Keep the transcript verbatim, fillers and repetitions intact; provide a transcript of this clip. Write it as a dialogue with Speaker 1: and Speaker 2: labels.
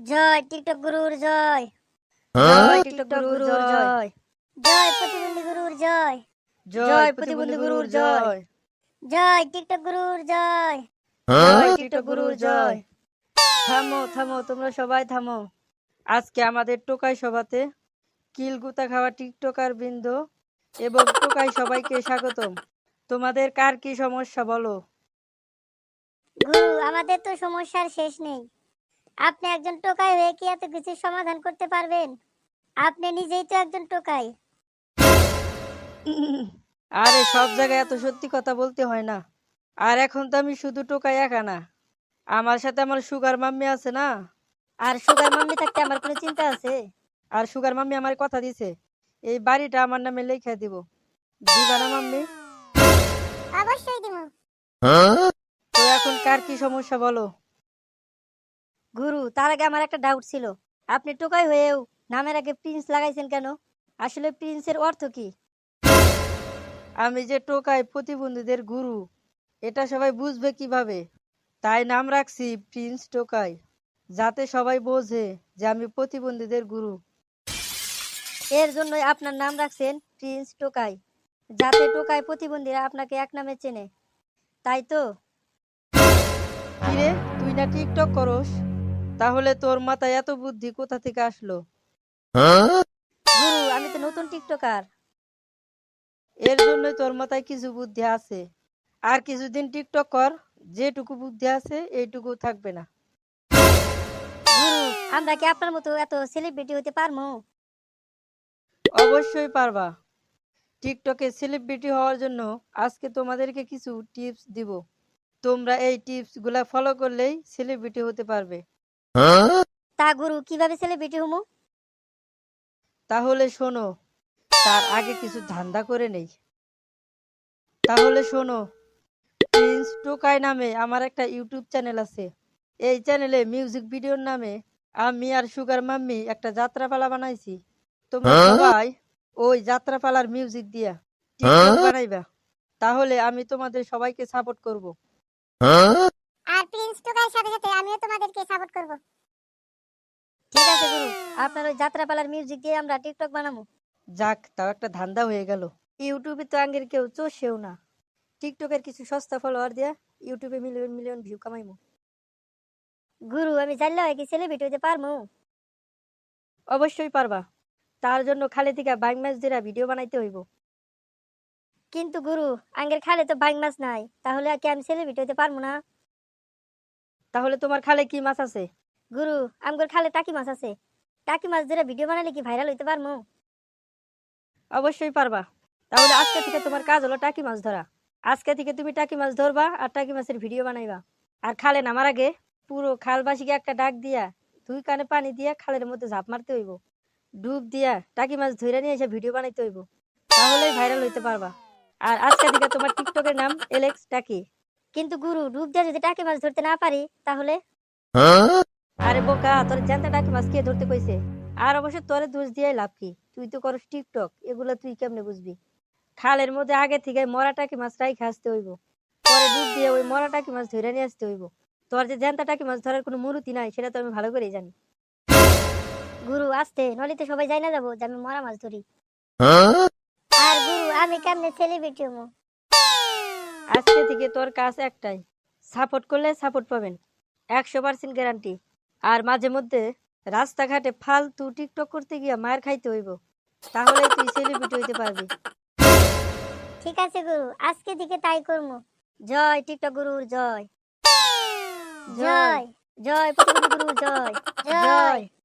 Speaker 1: জয় TikTok গুরুর জয়।
Speaker 2: জয় TikTok গুরুর জয়।
Speaker 1: জয় প্রতিবন্ধী গুরুর জয়।
Speaker 2: জয় প্রতিবন্ধী গুরুর জয়।
Speaker 1: জয় টিকটক গুরুর জয়।
Speaker 2: জয় টিকটক গুরুর জয়। থামো থামো তোমরা সবাই থামো। আজকে আমাদের টোকাই সভাতে কিলগুতা খাওয়া টিকটকার বৃন্দ এবং টোকাই সবাইকে স্বাগতম। তোমাদের কার কি সমস্যা বলো?
Speaker 1: গুরু, আমাদের তো সমস্যার শেষ নেই। আপনি একজন টোকাই হয়ে কি এত কিছু সমাধান করতে পারবেন? আপনি নিজেই তো একজন টোকাই।
Speaker 2: আরে সব জায়গায় এত সত্যি কথা বলতে হয় না। আর এখন তো আমি শুধু টোকাই একা না, আমার সাথে আমার সুগার মাম্মি আছে না।
Speaker 1: আর সুগার মাম্মি থাকতে আমার কোনো চিন্তা আছে?
Speaker 2: আর সুগার মাম্মি আমার কথা দিছে এই বাড়িটা আমার নামে লিখে দিব। দিবা না মাম্মি?
Speaker 1: অবশ্যই দিব।
Speaker 2: তো এখন কার কি সমস্যা বলো?
Speaker 1: গুরু, তার আগে আমার একটা ডাউট ছিল। আপনি টোকাই হয়েও নামের আগে প্রিন্স লাগাইছেন কেন? আসলে প্রিন্সের অর্থ কি?
Speaker 2: আমি যে টোকাই প্রতিবন্ধীদের গুরু, এটা সবাই বুঝবে কিভাবে, তাই নাম রাখছি প্রিন্স টোকাই, যাতে সবাই বোঝে যে আমি প্রতিবন্ধীদের গুরু।
Speaker 1: এর জন্যই আপনার নাম রাখছেন প্রিন্স টোকাই, যাতে টোকাই প্রতিবন্ধীরা আপনাকে এক নামে চেনে, তাই তো?
Speaker 2: কিরে, তুই না টিকটক করস? তাহলে তোর মাথায় এত বুদ্ধি কোথা থেকে আসলো?
Speaker 1: গুরু, আমি তো নতুন টিকটকার।
Speaker 2: এর জন্যই তোর মাথায় কিছু বুদ্ধি আছে। আর কিছুদিন টিকটক কর, যেটুকু বুদ্ধি আছে এইটুকু থাকবে না।
Speaker 1: গুরু, আমরা কি আপনার মতো এত সেলিব্রিটি হতে পারবো?
Speaker 2: অবশ্যই পারবা। টিকটকে সেলিব্রিটি হওয়ার জন্য আজকে তোমাদেরকে কিছু টিপস দিব। তোমরা এই টিপস গুলা ফলো করলেই সেলিব্রিটি হতে পারবে।
Speaker 1: তা গুরু, কিভাবে সেলিব্রিটি হমু?
Speaker 2: তাহলে শোনো, তার আগে কিছু ধান্দা করে নেই। তাহলে শোনো, প্রিন্স টোকাই নামে আমার একটা ইউটিউব চ্যানেল আছে। এই চ্যানেলে মিউজিক ভিডিওর নামে আমি আর সুগার মাম্মি একটা যাত্রাপালা বানাইছি। তোমরা সবাই ওই যাত্রাপালার মিউজিক দিয়া টিকটক বানাইবা, তাহলে আমি তোমাদের সবাইকে সাপোর্ট করব।
Speaker 1: আর প্রিন্স টোকাইয়ের সাথে সাথে আমিও তোমাদেরকে সাপোর্ট করব। ঠিক আছে গুরু, আপনার ওই যাত্রাপালার মিউজিক দিয়ে আমরা টিকটক বানাবো।
Speaker 2: যাক, তাও একটা ধান্দা হয়ে গেল।
Speaker 1: ইউটিউবে তো আঙ্গের কেউ চষেও না। টিকটকের কিছু সস্তা ফলোয়ার দিয়া ইউটিউবে মিলিয়ন মিলিয়ন ভিউ কামাইমু। গুরু, আমি জানলে হয় কি সেলিব্রিটি হতে পারমু?
Speaker 2: অবশ্যই পারবা। তার জন্য খালি থেকে বাইক ম্যাচ দিয়ে ভিডিও বানাইতে হইব।
Speaker 1: কিন্তু গুরু, আঙ্গের খালে তো বাইং মাছ নাই, তাহলে কি আমি সেলিব্রিটি হতে পারবো না?
Speaker 2: তাহলে তোমার খালে কি মাছ আছে?
Speaker 1: গুরু, আমগর খালে টাকি মাছ আছে। টাকি মাছ ধরে ভিডিও বানালে কি ভাইরাল হইতে পারমু?
Speaker 2: অবশ্যই পারবা। তাহলে আজকে থেকে তোমার কাজ হলো টাকি মাছ ধরা। আজকে থেকে তুমি টাকি মাছ ধরবা আর টাকি মাছের ভিডিও বানাইবা। আর খালে নামার আগে পুরো খালবাসীকে একটা ডাক দিয়া দুই কানে পানি দিয়া খালের মধ্যে ঝাঁপ মারতে হইব। ডুব দিয়া টাকি মাছ ধরে নিয়ে এসে ভিডিও বানাইতে হইব, তাহলেই ভাইরাল হইতে পারবা। আর আজকে থেকে তোমার টিকটকের নাম এলেক্স টাকি।
Speaker 1: কিন্তু গুরু, ডুব দিয়ে যদি টাকি মাছ ধরতে না পারি তাহলে?
Speaker 2: আরে বোকা, তোর জ্যান্ত টাকি মাছ কে ধরতে কইছে? আর অবশ্য তোরে দোষ দিয়াই লাভ কি? তুই তো করস টিকটক, এগুলা তুই কেমনে বুঝবি? খালের মধ্যে আগে থেকে মরা টাকি মাছ রাইখে আসতে হইব, পরে ডুব দিয়ে ওই মরা টাকি মাছ ধরে নিয়ে আসতে হইব। তোর যে জ্যান্ত টাকি মাছ ধরার কোনো মুরুতি নাই সেটা তো আমি ভালো করেই জানি।
Speaker 1: গুরু আস্তে, নলিতে সবাই যাই না যাবো যে আমি মরা মাছ ধরি। আর গুরু, আমি কেমনে সেলিব্রিটি হমু?
Speaker 2: আজকে থেকে তোর কাজ একটাই, সাপোর্ট করলে সাপোর্ট পাবেন, একশো পার্সেন্ট গ্যারান্টি। আর মাঝে মধ্যে রাস্তাঘাটে ফালতু টিকটক করতে গিয়া মার খাইতে হইব, তাহলেই তুই সেলিব্রিটি হইতে পারবি।
Speaker 1: ঠিক আছে গুরু, আজকে থেকে তাই করবো। জয় টিকটক গুরুর জয়। জয় জয় প্রতিবন্ধী গুরুর জয়। জয়।